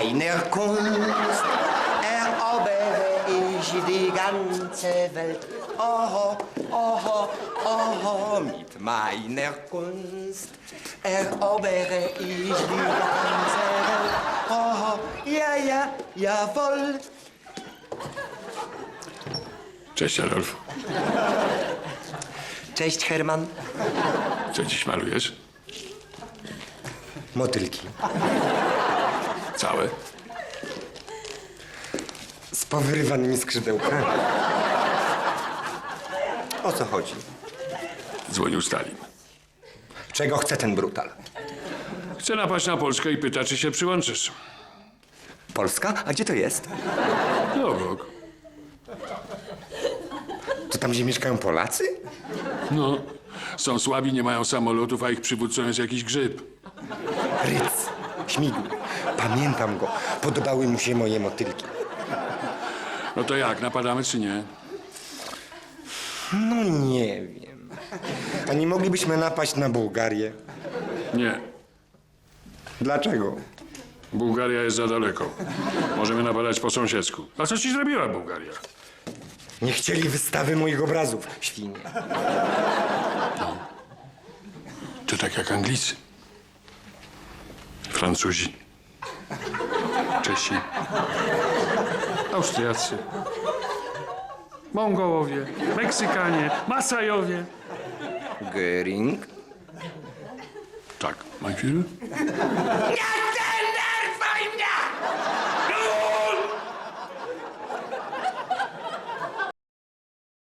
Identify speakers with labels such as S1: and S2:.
S1: meiner Kunst erobere ich die ganze Welt. Oh, oh, oh, mit meiner Kunst erobere ich die ganze Welt. Oh, ja, ja, jawohl.
S2: Cześć, Adolf.
S1: Cześć, Herman.
S2: Co dziś malujesz?
S1: Motylki.
S2: Całe?
S1: Z powyrywanymi skrzydełkami. O co chodzi?
S2: Dzwonił Stalin.
S1: Czego chce ten brutal?
S2: Chce napaść na Polskę i pyta, czy się przyłączysz.
S1: Polska? A gdzie to jest?
S2: No obok.
S1: To tam, gdzie mieszkają Polacy?
S2: No, są słabi, nie mają samolotów, a ich przywódcą jest jakiś grzyb.
S1: Ryc, śmigł. Pamiętam go. Podobały mu się moje motylki.
S2: No to jak, napadamy czy nie?
S1: No nie wiem. A nie moglibyśmy napaść na Bułgarię?
S2: Nie.
S1: Dlaczego?
S2: Bułgaria jest za daleko. Możemy napadać po sąsiedzku. A co ci zrobiła Bułgaria?
S1: Nie chcieli wystawy moich obrazów, świnie.
S2: To tak jak Anglicy. Francuzi. Czesi. Austriacy. Mongołowie. Meksykanie. Masajowie.
S1: Göring?
S2: Tak, mein Führer?
S1: Nie!